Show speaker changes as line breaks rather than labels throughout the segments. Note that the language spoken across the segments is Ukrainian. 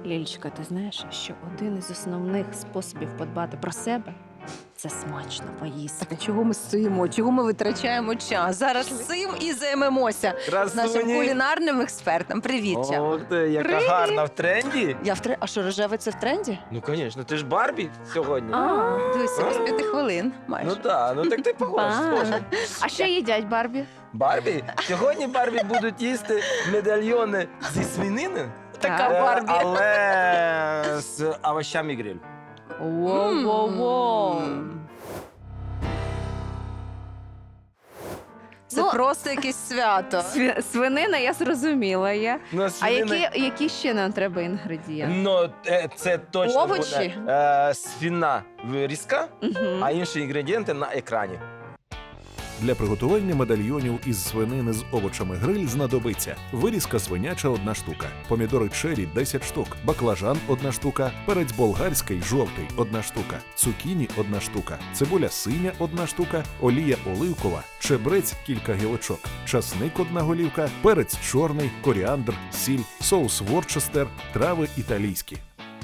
Лілечка, ти знаєш, що один із основних способів подбати про себе це смачно поїсти.
Так чого ми стоїмо? Чого ми витрачаємо час? Зараз цим і займемося з нашим кулінарним експертом. Привіт, Чаба.
Ох ти, яка
Привіт.
гарна в тренді.
А що, рожеве це в тренді?
Ну, звісно, ти ж Барбі сьогодні.
Дивися, без 5 хвилин майже.
Ну так, ну так ти схожа.
А що їдять Барбі?
Барбі? Сьогодні Барбі будуть їсти медальйони зі свинини,
Така
Так.
Барбі.
але з овощами гриль.
Воу-воу-воу.
Це
Ну,
просто якесь свято.
Свинина, я зрозуміла.
Ну,
А
свинина-
які ще нам треба інгредієнти?
Ну, це точно
Овочі?
буде свина вирізка,
Мгм.
а інші інгредієнти на екрані.
Для приготування медальйонів із свинини з овочами гриль знадобиться вирізка свиняча 1 штука, помідори чері 10 штук, баклажан 1 штука, перець болгарський жовтий 1 штука, цукіні 1 штука, цибуля синя 1 штука, олія оливкова, чебрець кілька гілочок, часник 1 голівка, перець чорний, коріандр, сіль, соус ворчестер, трави італійські.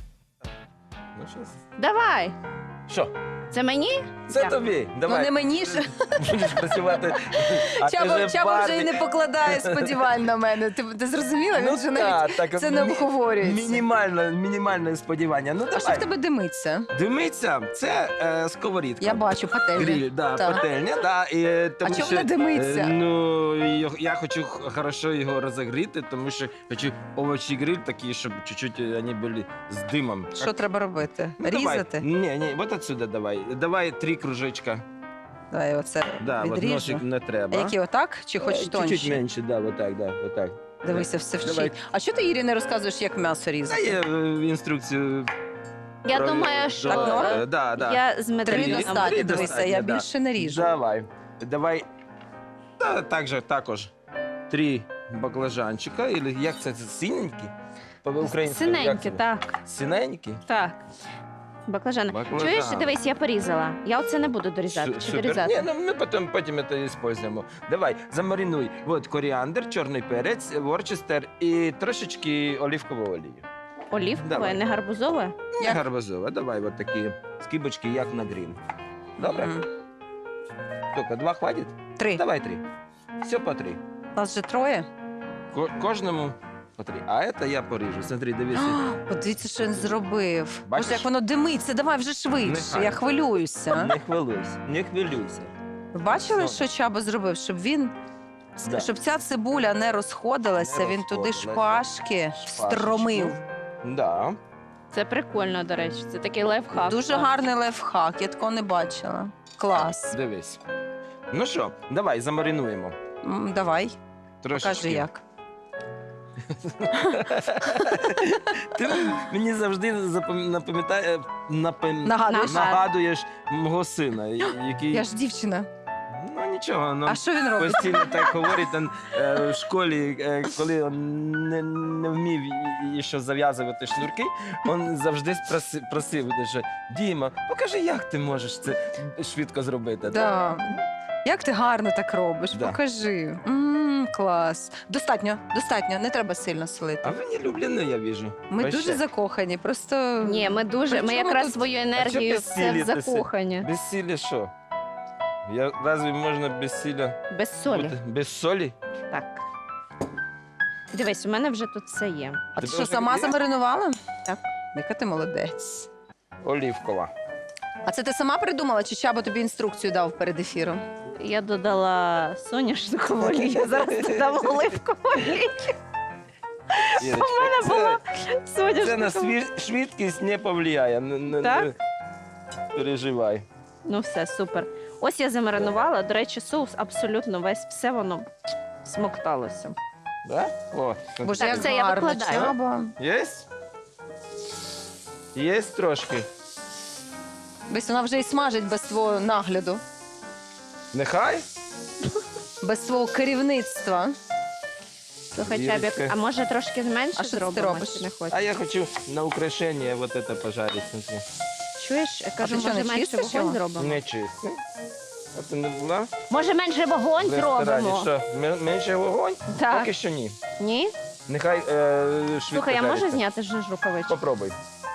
Ну, що?
Давай.
Що?
Це мені?
Це
Дякую.
тобі.
Ну
Давай.
не мені ж.
Будеш працювати. А ти
Чаба
же
вже і
Барбі.
не покладає сподівань на мене. Ти зрозуміла? Він
Ну,
вже навіть
так,
це не обговорюється.
Мінімальне сподівання. Ну,
А що в
давай.
тебе димиться?
Димиться, це сковорідка.
Я бачу, пательня.
Гриль, да,
Так.
пательня, да. І, тому
чому
що,
вона димиться?
Я хочу хорошо його розігріти, тому що хочу овочі гриль такі, щоб чуть-чуть вони були з димом.
Що треба робити?
Ну,
Різати?
Давай. Ні, от отсюда давай. Давай 3 кружечка.
Давай оце
Да, от
відріжу.
ножик не
А
треба.
які отак? Чи хочеш
Чуть-чуть
тонші?
менше, да, отак, да, отак.
Дивися, все
Давай.
вчить. А що ти Ірі не розказуєш, як м'ясо різати?
Дає інструкцію.
Я
про-
думаю, що
Так, норм?
Да, да.
я з
Три
медальйоном.
достатньо,
Три
дивися,
достатньо,
я
да.
більше не ріжу.
Давай. Та, також 3 баклажанчика, или як це синенькі? По-українському. як
Синенькі,
це?
так.
Синенькі?
Так. Баклажани.
Баклажан.
Чуєш, дивись, я порізала. Я оце не буду дорізати. Чи
Супер.
дорізати?
Ні, ну ми потім це используємо. Давай, замаринуй. От коріандр, чорний перець, ворчестер і трошечки оливкової олії.
Олівкове,
Давай.
не гарбузове?
Не гарбузова. Давай от такі скибочки, як на гриль. Добре?
Мгм.
Сколько, 2 хватить?
3.
Давай 3. Все по 3.
Нас же 3.
Кожному по 3. А це я поріжу. Смотри, дивися.
Подивіться, що він зробив.
Бачиш?
Боже, як воно димиться. Давай вже швидше.
Нехай.
Я хвилююся.
Не хвилюйся, не хвилюйся.
Ви бачили,
Все.
що Чаба зробив?
Да.
Щоб ця цибуля не розходилася,
Не
він туди
розходилася.
шпажки
Шпажечку.
встромив.
Да.
Це прикольно, до речі. Це такий лайфхак.
Дуже гарний лайфхак, я такого не бачила. Клас.
Дивись. Ну що, давай замаринуємо.
Давай,
Трошечки.
покажи як.
Ти мені завжди
Нагадуєш?
нагадуєш мого сина, який.
Я ж дівчина.
Ну нічого, ну
А що він робить?
постійно так говорить там, в школі, коли він не вмів ще зав'язувати шнурки, він завжди просив, що Діма, покажи, як ти можеш це швидко зробити.
Да. Як ти гарно так робиш?
Да.
Покажи. Клас. Достатньо, не треба сильно
А
солити.
ви не люблені, я вижу.
Ми
Вообще.
дуже закохані, просто
Ні, ми дуже.
При
Ми
чому
якраз
тут-
свою
А
енергію
чого
все в
безсилля
закохані.
Без сілі що? Разве можна без сіля
Без солі.
бути? Без солі?
Так. Дивись, у мене вже тут все є.
А ти
Тебе
що,
вже
сама
є?
замаринувала?
Так.
Яка ти молодець.
Олівкова.
А це ти сама придумала, чи Чаба тобі інструкцію дав перед ефіром?
Я додала соняшникову олію, зараз додам оливкову олію.
Ірочка,
мене була
це на
Соняшникова.
швидкість не повлияє.
Так?
Не переживай.
Ну все, супер. Ось я замаринувала. До речі, соус абсолютно весь, все воно смокталося.
Да? О,
Боже,
Так,
як
це я
гарно,
викладаю.
Чаба.
Є? Є трошки.
Десь вона вже і смажить без твого нагляду,
Нехай?
без свого керівництва.
Слухай,
Ірочка.
Чабік, а може трошки менше
А що ти
зробимо,
робиш?
чи не хочеш?
А я хочу на украшення вот это пожарить. Смотри.
Чуєш, я кажу,
ти що,
може
не
менше
чистиш
вогонь
його?
зробимо?
Не чисти. А ти не була?
Може менше вогонь
В ресторані
зробимо?
що? Менше вогонь?
Так.
Поки що ні.
Ні?
Нехай швидко
Слухай, я можу
жариться.
зняти ж рукавичку?
Попробуй.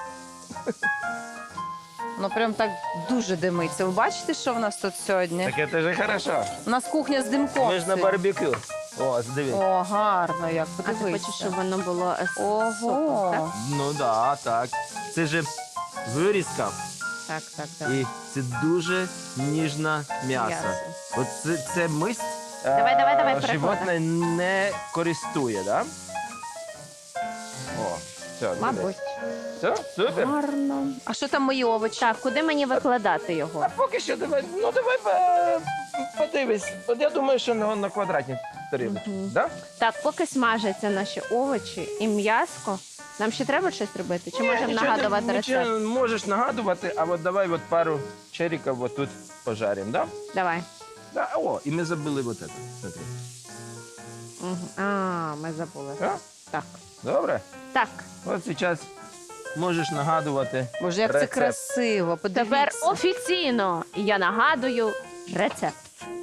Ну прям так дуже димиться. Ви бачите, що в нас тут сьогодні?
Так це ж хорошо.
У нас кухня з димком.
Ми ж на барбекю. О, дивись.
О, гарно, як
А ти
подивися.
хочеш, щоб воно було з
Ого.
соком, так?
Ну да, так. Це ж вирізка.
Так, так, так.
І це дуже ніжне м'ясо.
М'ясо.
От це мисць
Давай, переходи.
животне не користує, да? О, все,
Мабуть.
Все, супер.
Гарно. А що там мої овочі?
Так, куди мені викладати його?
А поки що давай, подивись. От я думаю, що на квадратній тарілочці.
Мгм.
Да?
Так, поки смажаться наші овочі і м'яско, нам ще треба щось робити? Чи можемо
Нічого
нагадувати
нічого
рецепт?
можеш нагадувати, а от давай от пару черіків от тут пожаримо, да?
Давай.
Да? О, і ми забули от це. Смотри.
Мгм. А, ми забули.
Да?
Так.
Добре?
Так,
От зараз можеш нагадувати.
Боже, як це
Рецепт.
красиво. Подивіться.
тепер офіційно я нагадую рецепт.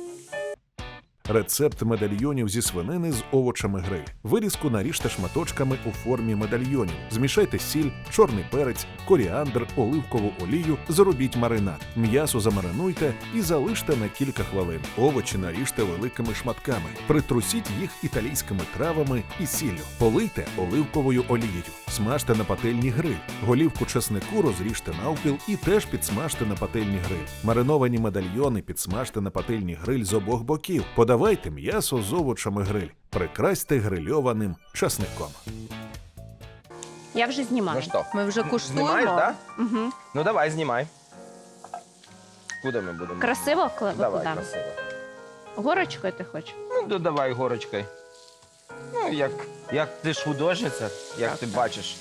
Рецепт медальйонів зі свинини з овочами гриль. Вирізку наріжте шматочками у формі медальйонів. Змішайте сіль, чорний перець, коріандр, оливкову олію, зробіть маринад. М'ясо замаринуйте і залиште на кілька хвилин. Овочі наріжте великими шматками. Притрусіть їх італійськими травами і сіллю. Полийте оливковою олією. Смажте на пательні гриль. Голівку чеснику розріжте навпіл і теж підсмажте на пательні гриль. Мариновані медальйони підсмажте на пательні гриль з обох боків. Подавайте м'ясо з овочами гриль. Прикрасьте грильованим часником.
Я вже знімаю.
Ну що?
Ми вже куштуємо.
Знімаєш, так?
Угу.
Ну давай, знімай. Куди ми будемо?
Красиво
Давай,
викладаємо?
красиво.
Горочкою ти хочеш?
Ну, додавай горочкою. Ну, як ти ж художниця, як
Так,
ти
так.
бачиш.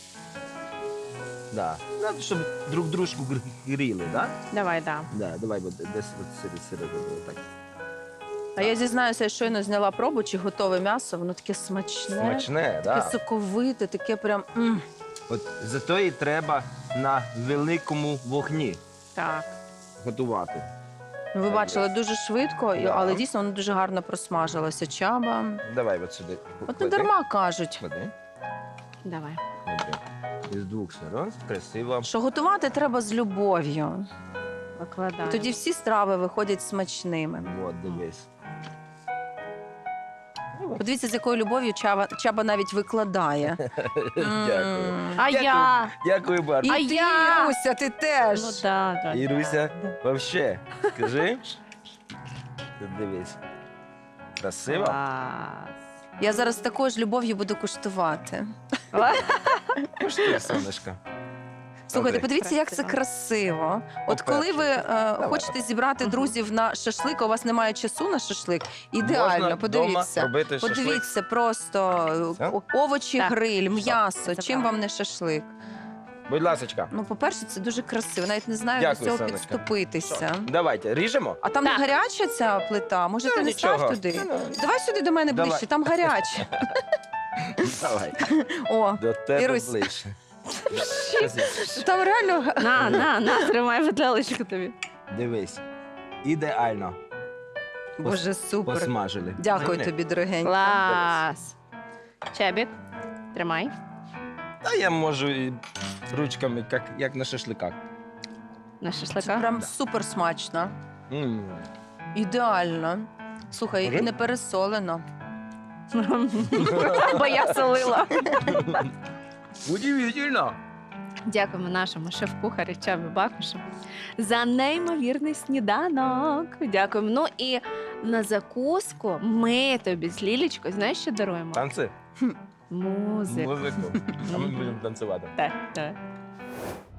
Да. Надо, щоб друг дружку гріли, да?
Давай, да.
Да, давай от, десь от середину. Так.
А я зізнаюся, я щойно зняла пробу, чи готове м'ясо, воно таке смачне,
Смачне,
таке
да.
соковите, таке прям.
От зато і треба на великому вогні
Так.
готувати.
Ну, ви бачили дуже швидко,
Да.
але дійсно воно дуже гарно просмажилося. Чаба.
Давай от сюди.
От не
клади.
дарма кажуть,
Клади.
Давай.
Клади. Із двох сторон. Красиво.
що готувати треба з любов'ю.
Викладаю.
Тоді всі страви виходять смачними.
От, дивись.
Подивіться, з якою любов'ю Чаба навіть викладає.
Дякую.
А
Дякую.
я?
Дякую, Бар.
І
А
ти,
я?
Іруся, ти теж.
Ну да, да.
Іруся,
да.
вообще, скажи. Тут дивись. Красиво?
Клас.
Я зараз такою ж любов'ю буду куштувати.
Куштуй, сонечко.
Слухайте,
Окей.
подивіться, як це красиво. От коли ви хочете зібрати друзів на шашлик, а у вас немає часу на шашлик, ідеально,
Можна
подивіться.
вдома робити шашлик.
Подивіться, просто
Все?
овочі,
Так.
гриль, м'ясо.
це
Чим
правда.
вам не шашлик?
Будь ласочка.
Ну, по-перше, це дуже красиво. Навіть не знаю,
Дякую,
до цього
Сонечка.
підступитися.
Давайте, ріжемо?
А там
Так.
не гаряча ця плита? Може, ти
Ну,
не став
нічого.
туди?
Ну,
Давай сюди до мене
Давай.
ближче, там гаряче.
Давай,
О,
до тебе
Ірусь.
ближче.
там реально.
На, тримай виделочку тобі.
Дивись. Ідеально.
Боже, супер.
Посмажили.
Дякую
Не,
тобі, дорогенька.
Клас. Чебік, тримай.
Та я можу і ручками, як на шашликах.
На
Це
шашлика.
прям супер смачно.
М.
Ідеально. Слухай,
Скажи.
і не пересолено.
Бо я солила.
Удивительно.
Дякуємо нашому шеф-кухарю Чабі Бакушу за неймовірний сніданок. Дякуємо. Ну і на закуску ми тобі з Лілічкою, знаєш, що даруємо?
Танці?
Музику.
Музику. А ми будемо танцювати.
Так, так.